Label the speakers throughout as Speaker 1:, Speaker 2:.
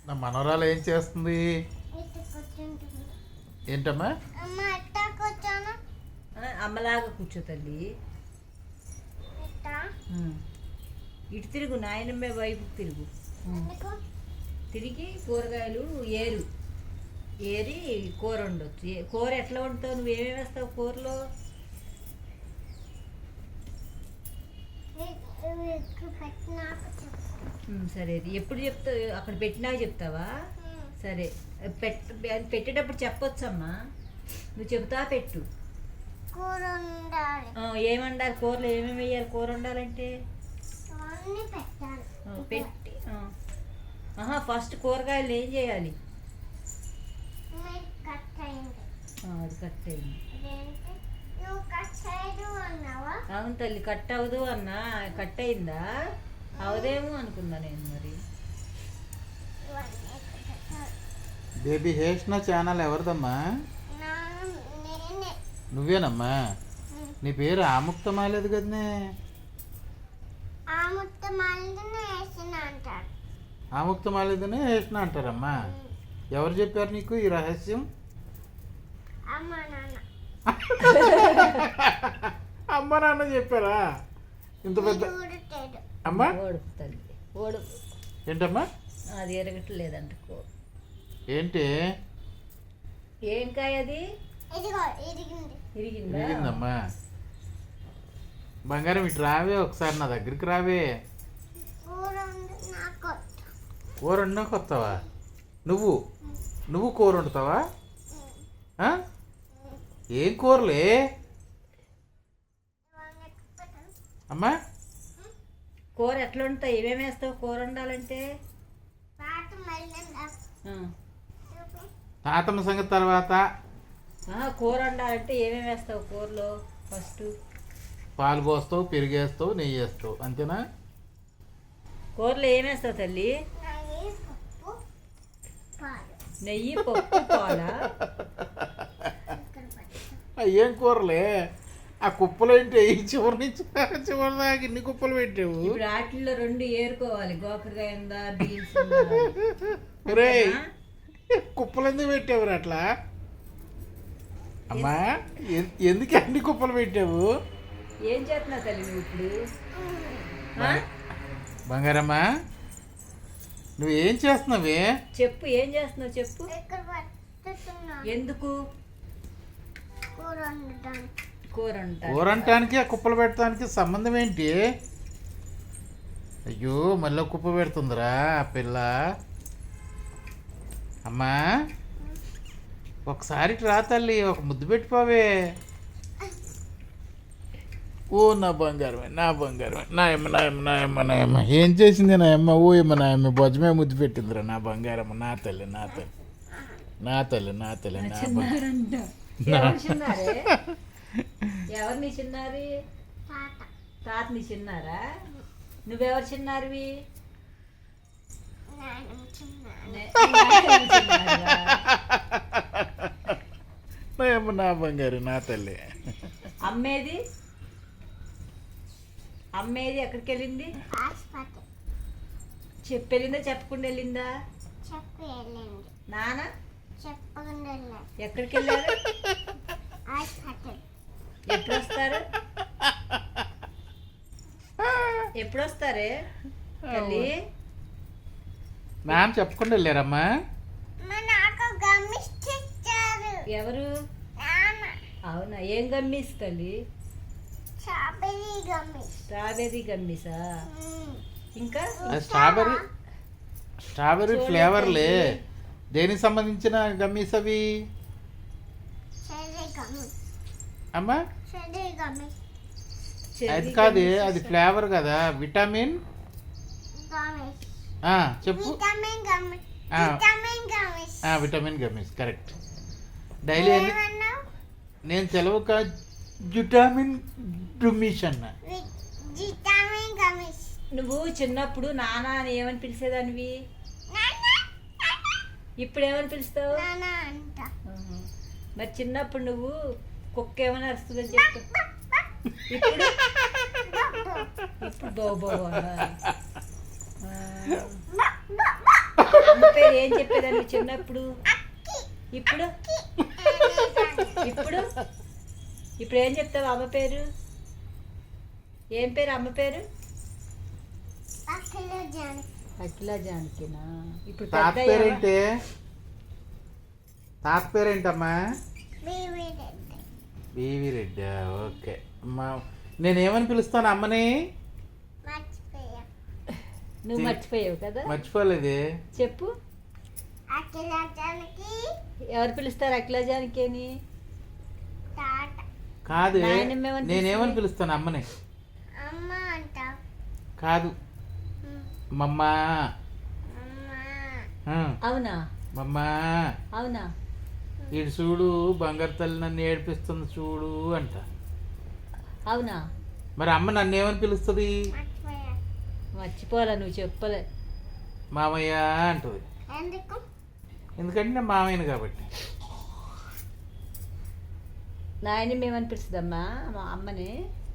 Speaker 1: నా మనవరాలు ఏం చేస్తుంది? ఏంటమ్మా?
Speaker 2: అమ్మలాగా కూర్చో తల్లి. ఇటు తిరుగు, నాయనమ్మ వైపు తిరుగు. తిరిగి కూరగాయలు ఏరి కూర వండొచ్చు. కూర ఎట్లా వండుతావు? నువ్వేమేమి వేస్తావు కూరలో? సరే, ఎప్పుడు చెప్తావు? అక్కడ పెట్టినాక చెప్తావా? సరే, పెట్టేటప్పుడు చెప్పొచ్చమ్మా. నువ్వు చెబుతా పెట్టు. ఏమండాలి కూరలో? ఏమేమి వేయాలి కూర వండాలంటే? పెట్టి ఫస్ట్ కూరగాయలు ఏం చేయాలి? అది కట్ అయింది. అవును తల్లి, కట్ అవ్వదు అన్నా. కట్ అయిందా? అవదేమో అనుకున్నా నేను. మరి
Speaker 1: బేబీ హేష్ణ ఛానల్ ఎవరిదమ్మా? నువ్వేనమ్మా? నీ పేరు ఆముక్తమాలేదు కదనే? ఆముక్తమాలేదనే హేష్ణ అంటారమ్మా. ఎవరు చెప్పారు నీకు ఈ రహస్యం? అమ్మ నాన్న చెప్పారా? ఇంత పెద్ద అమ్మా
Speaker 2: తల్లి ఓడు
Speaker 1: ఏంటమ్మా?
Speaker 2: అది ఎరగట్లేదంట.
Speaker 1: ఏంటి?
Speaker 2: ఏం కాయ అది?
Speaker 1: ఇరిగిందమ్మా. బంగారం ఇటు రావే, ఒకసారి నా దగ్గరికి రావే. కూర వండక వస్తావా? నువ్వు కూర వండుతావా? ఏం కూరలే అమ్మా?
Speaker 2: కూర ఎట్లా ఉంటాయి? ఏమేమి వేస్తావు కూర వండాలంటే?
Speaker 1: తాతమ్మ సంగతి తర్వాత.
Speaker 2: కూర వండాలంటే ఏమేమి వేస్తావు కూరలో? ఫస్ట్
Speaker 1: పాలు పోస్తావు, పెరిగేస్తావు, నెయ్యి వేస్తావు, అంతేనా?
Speaker 2: కూరలో ఏమేస్తావు తల్లి? నెయ్యి, పప్పు, పాలా?
Speaker 1: ఏం కూరలే? ఆ కుప్పలు ఏంటి? చివరి నుంచి చివరి దాకా ఇన్ని కుప్పలు పెట్టావు.
Speaker 2: ఇప్పుడు వాటిల్లో 2 ఏరుకోవాలి. గోకరకాయ ఉందా, బీన్స్
Speaker 1: రే, కుప్పలు ఎందుకు పెట్టావు అట్లా? అమ్మా, ఎందుకు అన్ని కుప్పలు పెట్టావు?
Speaker 2: ఏం చేస్తున్నావు తల్లి నువ్వు ఇప్పుడు?
Speaker 1: బంగారమ్మా, నువ్వేం చేస్తున్నావే?
Speaker 2: చెప్పు, ఏం చేస్తున్నావు చెప్పు. ఎందుకు? కూర
Speaker 1: అంటానికి ఆ కుప్పలు పెట్టడానికి సంబంధం ఏంటి? అయ్యో, మళ్ళీ కుప్ప పెడుతుందిరా ఆ పిల్ల. అమ్మా, ఒకసారి రా తల్లి, ఒక ముద్దు పెట్టిపోవే. ఓ నా బంగారమే, నా బంగారమే, నాయమ్మ ఏం చేసింది నాయమ్మ? ఓ ఏమో నాయమ్మ బొజ్జమే ముద్దు పెట్టిందిరా నా బంగారమ్మ. నా తల్లి నా
Speaker 2: ఎవరిని చిన్నారి? తాతని చిన్నారా? నువ్వెవరు చిన్నారివి?
Speaker 1: నా బంగారు, నా తల్లి.
Speaker 2: అమ్మేది ఎక్కడికి వెళ్ళింది? వెళ్ళిందా? చెప్పకుండా వెళ్ళిందా? నాన్న ఎక్కడికి వెళ్ళారు? ఎప్పుడు వస్తారే తల్లి?
Speaker 1: మ్యామ్ చెప్పకుండా వెళ్ళారమ్మా.
Speaker 2: ఎవరు? అవునా? ఏం గమ్మీస్ తల్లి? స్ట్రాబెర్రీ గమ్మీసా? ఇంకా
Speaker 1: స్ట్రాబెర్రీ ఫ్లేవర్లే. దేనికి సంబంధించిన గమ్మీస్ అవి అమ్మా? అది కాదు, అది ఫ్లేవర్ కదా, విటమిన్. చెప్పు. Vitamin gummies, correct. డైలీ నేను సెలవు విటమిన్ డుమిష్ అన్న.
Speaker 2: నువ్వు చిన్నప్పుడు నాన్న అని ఏమని పిలిచేదానివి? ఇప్పుడు ఏమని పిలుస్తావు? మరి చిన్నప్పుడు నువ్వు కుక్క ఏమైనా అరుస్తుందని చెప్తా. ఇప్పుడు బో పేరు ఏం చెప్పేదాన్ని చిన్నప్పుడు? ఇప్పుడు ఇప్పుడు ఇప్పుడు ఏం చెప్తావు అమ్మ పేరు? ఏం పేరు అమ్మ పేరు? అఖిల జానకినా? ఇప్పుడు
Speaker 1: తాత
Speaker 2: పెద్ద
Speaker 1: పేరేంటి? తాత పేరేంటమ్మా? బీవీ రెడ్డి. ఓకే అమ్మా, నేనేమని పిలుస్తాను అమ్మని?
Speaker 2: నువ్వు మర్చిపోయావు కదా?
Speaker 1: మర్చిపోలేదే.
Speaker 2: చెప్పు. ఎవరు పిలుస్తారు అఖిల జానకి అని?
Speaker 1: కాదు,
Speaker 2: నాయనమ్మ ఏమని
Speaker 1: నేనేమని పిలుస్తాను అమ్మని? కాదు, మమ్మా.
Speaker 2: అవునా?
Speaker 1: మమ్మా,
Speaker 2: అవునా?
Speaker 1: ఇటు చూడు బంగారు తల్లి నన్ను ఏడిపిస్తుంది చూడు అంట.
Speaker 2: అవునా?
Speaker 1: మరి అమ్మ నన్ను ఏమని పిలుస్తుంది?
Speaker 2: మర్చిపోవాలా, నువ్వు చెప్పలే.
Speaker 1: మామయ్య అంటుంది. ఎందుకంటే నేను మామయ్యను కాబట్టి.
Speaker 2: నాయన ఏమని పిలుస్తుందమ్మా మా అమ్మని?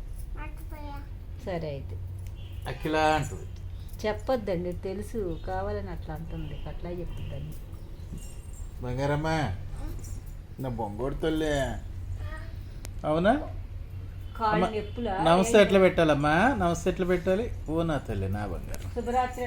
Speaker 2: సరే అయితే
Speaker 1: అఖిల అంటుంది.
Speaker 2: చెప్పొద్దండి, తెలుసు, కావాలని అట్లా అంటుంది, అట్లా చెప్తుందండి.
Speaker 1: బంగారమ్మా, నా బొంగోడు తల్లి. అవునా?
Speaker 2: కాళ్ళు ఎప్పులా?
Speaker 1: నమస్తే ఎట్లా పెట్టాలమ్మా? నమస్తే ఎట్లా పెట్టాలి? ఓ నా తల్లి, నా బంగారం.
Speaker 2: శుభరాత్రి.